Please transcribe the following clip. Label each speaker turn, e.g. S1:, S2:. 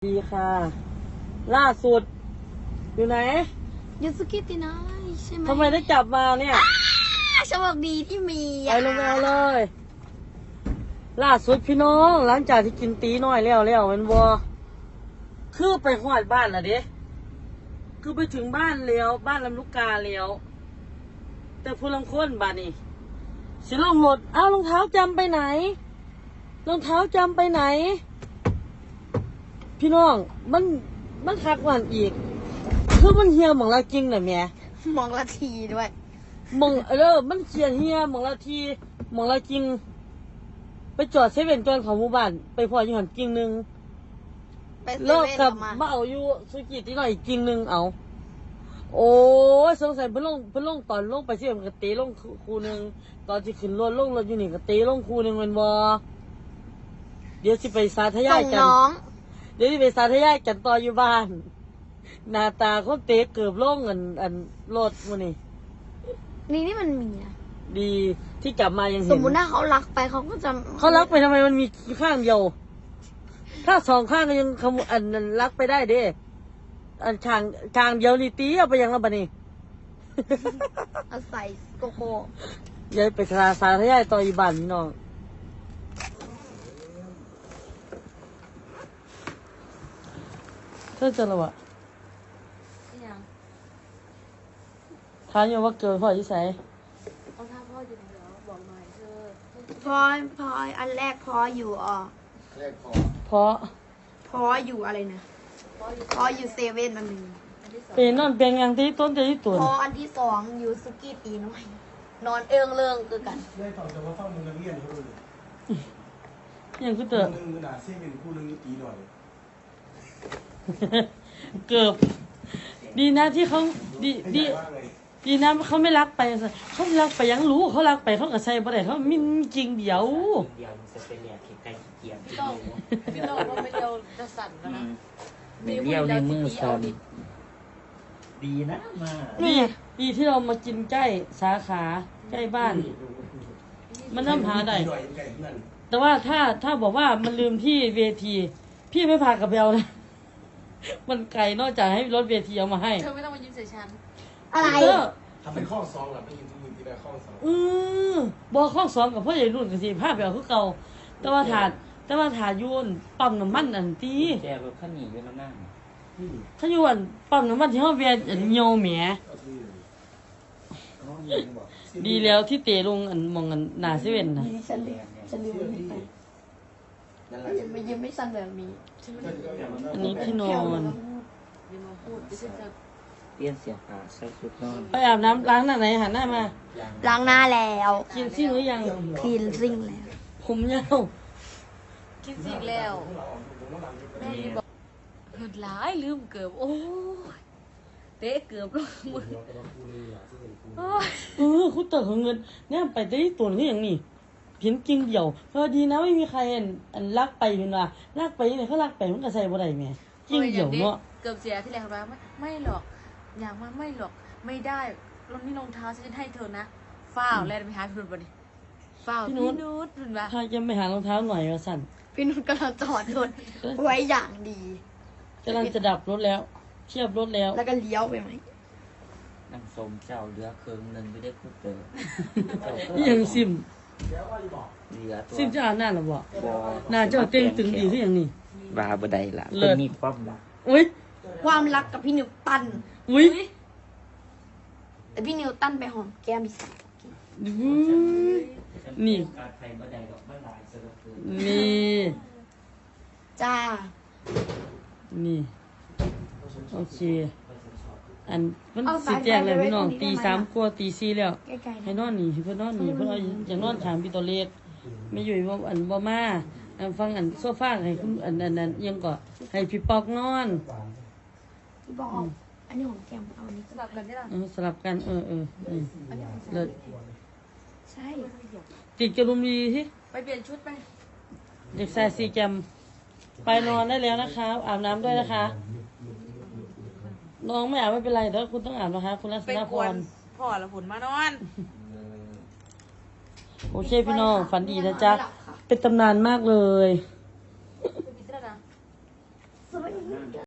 S1: ดีค่ะล่าสุดอยู่ไหน
S2: ยูสุกิตินาใช่ไหม
S1: ทำไมได้จับมาเนี่ย
S2: โชคดีที่มี
S1: ไปลงเอาเลยล่าสุดพี่น้องหลังจากที่กินตีน้อยแล้วมันวัวคือไปหอดบ้านละเด้คือไปถึงบ้านแล้วบ้านลำลูกกาแล้วแต่ผู้ลังคนบ้านนี่สิลงรถอ้าวรองเท้าจำไปไหนรองเท้าจำไปไหนพี่น้องมันคักกว่าอีกคือมันเฮียหมองละจริงน่ะแม่
S2: มองละทีด้วย
S1: มองมันเขียนเฮียหมองละทีหมองละจริงไปจอดเซเว่นจอนของหมู่บ้านไปพออยู่หันจริงนึงเลิกกับมาเอาอยู่สุกิตีหน่อยจริงนึงเอาโอ้ยสงสัยเพิ่นลงตอนลงไปเสียมันก็ตีลงคูนึงตอนที่ขึ้นรถลงรถอยู่นี่ก็ตีลงคูนึงมันบ่เดี๋ยวสิไปสาธยายกันเดี๋ยวสิไปสาธยายกันต่ออยู่บ้านหน้าตาเขาเตะเกือบล่งอันรถมัน
S2: นี่มันมีนะ
S1: ดีที่กลับมายังเห็น
S2: สมมุติถ้าเขารักไปเขาก็จะ
S1: เขารักไปทำไมมันมีข้างเดียวถ้าสองข้างก็ยังอันรักไปได้เด้อันข้างเดียวนี่ตีเอาไปยังแล้วบัดนี้
S2: เอาใส่โกโก้
S1: ยายไปสาธยายต่ออยู่บ้านพี่น้องเธอเจอแล้วอะถามอยู่ว่าเกิดพ่อที่ไหน
S2: เอาท่าพ่ออยู่ไหนเหรอบอกหน่อยเธอพออันแรกพออยู่
S1: แรกพอ
S2: อยู่อะไรนะพออยู่เซเว่นอันหนึ่ง
S1: เป็นนอนเป็นอย่างที่ต้นจะที่ตัว
S2: พออันที่สองอยู่สุกี้ตีน้อยนอนเอื้องเรื่องคือกัน
S3: ได้ตอนจะมาเฝ้ามึงนักเรียนเขาเลย
S1: ยังคือเติม
S3: นึงขนาดเส้นเป็นคู่นึงตีหน่อย
S1: เกือบดีนะที่เขาดีนะเขาไม่รักไปเขารักไปยังรู้เขารักไปเขาก็ใส่บ่ได้เขามีจริงเดียว
S4: มันจะเป็นเนี่ยไก่เกียร์
S2: พี่ต้องว่าไม่เดียวจะสั่นนะ
S4: ไม่เลี้ยวในมือสั่นดีนะมา
S1: ดีที่เรามากินใกล้สาขาใกล้บ้านมันน้ำหาได้แต่ว่าถ้าบอกว่ามันลืมที่เวทีพี่ไม่พากับเบลนะมันไกลนอกจากให้รถเวทีเอามาให้
S2: เธอไม่ต้องมายิ้มใส่ฉันอะไร
S3: ทำเป็นข้อสองหรอไม่ยินทุกมือที่ได้ข้อสอง
S1: บอกข้อสองกับพ่อใหญ่รุ่นกับสิภาพแบบคือเก่าแต่ว่าถายุ่นปั๊มน้ำมันอันตี
S4: แกแบบข้าหนีอยู่น้ำนั่ง
S1: ถ้าอยู่อันปั๊มน้ำมันที่เขาเวียนโยแหมดีแล้วที่เตะลงอันมองอันหน้าเซเว่นนะ
S2: ฉันลืมไปยิ้มไม่สั่นแบบนี้
S1: อันนี้ที่นอน
S4: เปลี่ยนเสียผ้าใส่ชุดนอน
S1: ไปอาบน้ำล้างหน้าไหนหันหน้ามา
S2: ล้างหน้าแล้ว
S1: กินซิ่งหรือยัง
S2: คลีนซิ่งแล้ว
S1: ผมยาว
S2: กินซิ่งแล้วแม่บอกเหินหลายลืมเกือบโอ้ยเตะเกือบลง
S1: มือคุณเต๋อเงินเนี่ยไปได้ตัวนี้อย่างนี้เพียงจริงเดียวพอดีนะไม่มีใครอันลักไปเป็นว่าลักไปเนี่ยเขาลักไปมันก็ใส่บ่ได้แม่จริงเดียวเนาะ
S2: เกือบเสียที่แรกว่าไม่หรอกอย่างมาไม่หรอกไม่ได้รองนี่รองเท้าฉันให้เธอนะฝ้าวแล้วไปหาพี่นุชบ่ดิฝ้าวพี่นุชถึงว่า
S1: ถ้าจะไปหารองเท้าหน่อยว่าสั่น
S2: พี่นุชกำลังจอดรถไว้อย่างดี
S1: กำลังจะดับรถแล้วเทียบรถแล้ว
S2: แล้วก็เลี้ยวไปไหม
S4: นั่งสมเจ้าเรือเครื่องหนึ่งไม่ได้คู่เต๋
S1: อยังซิม
S4: ซิ
S1: มจะอ่านหน้าหรอบ่หน้าเจ้าเต็งตึงดีที่อย่างนี้
S4: บาบได้ละเป็นมีความรัก
S1: อุ้ย
S2: ความรักกับพี่นิวตัน
S1: อุ้ย
S2: แต่พี่นิวตันไปหอมแก้มพี่สาว
S1: นี่
S2: จ้า
S1: นี่โอเคอันมันสิแจ้งเลยพี่น้องตี 3 กว่าตี 4แล้วให้นอนนี่เพื่อนนอนนี่เพื่อนอย่างนอนถามพี่ตัวเล็กไม่อยู่ว่าอันบ่มาฟังอันโซฟาให้คุณอันยังก็ให้พี่ปอกนอน
S2: พี่บอกอันนี้ของแก้มเอาอันนี้สลับกันได้หรอ
S1: สลับกันเลิศ
S2: ใช่
S1: ติดกระดุมดีที่
S2: ไปเปลี่ยนชุดไป
S1: เด็กชายซีแกมไปนอนได้แล้วนะคะอาบน้ำด้วยนะคะน้องไม่อาบไม่เป็นไรแต่คุณต้องอาบนะคะคุณรัศนพร
S2: พ่อละผุนมานอน
S1: โอเคพี่น้องฝันดีนะจ๊ะเป็นตำนานมากเลย
S2: สวัสดี
S4: นั่น